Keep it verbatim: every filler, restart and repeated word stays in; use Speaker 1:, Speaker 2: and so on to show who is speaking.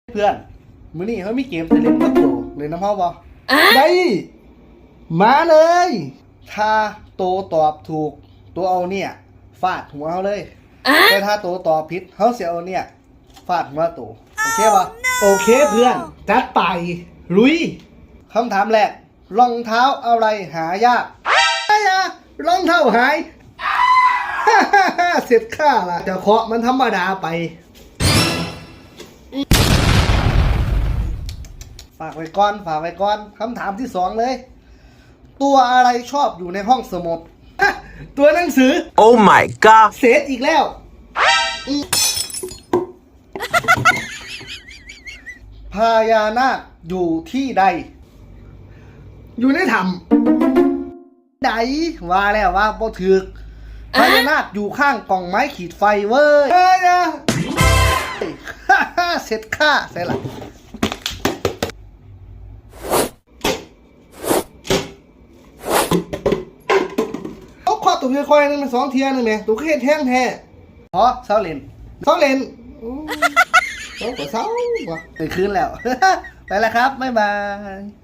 Speaker 1: เพื่อนมื้อนี้เขามีเกมจะเล่นกับโตเลยน้ำเฮาบ่ได้มาเลย ถ้าโตตอบถูกตัวเอาเนี่ยฟาดหัวเขาเลยแต่ถ้าโตตอบผิดเขาเสียเอาเนี่ยฟาดหัวโตโอเคป่ะโอเคเพื่อนจัดไปลุยคำถามแรกรองเท้าอะไรหายากไอ้ยารองเท้าหาย เสร็จข้าล่ะจะเคาะมันธรรมดาไปฝากไว้ก่อนฝากไว้ก่อนคำถามที่สองเลย ตัวอะไรชอบอยู่ในห้องสมุด ตัวหนังสือ
Speaker 2: Oh my god
Speaker 1: เสร็จอีกแล้วพญานาคอยู่ที่ใด อยู่ในถ้ำใดว่าแล้วว่าบ่ถึกพญานาคอยู่ข้างกล่องไม้ขีดไฟเว้ยเฮ้ยนะ เสร็จค่าใส่ละเอาข้อตุ่มค่อยๆนึงเป็นสองเทียนึงเนี่ยตุ่มแค่แท่งแท้พอเศร้าเล่นเศร้าเล่นเศร้าก็เศร้าว่ะไปคืนแล้ว ไปแล้วครับบ๊ายบาย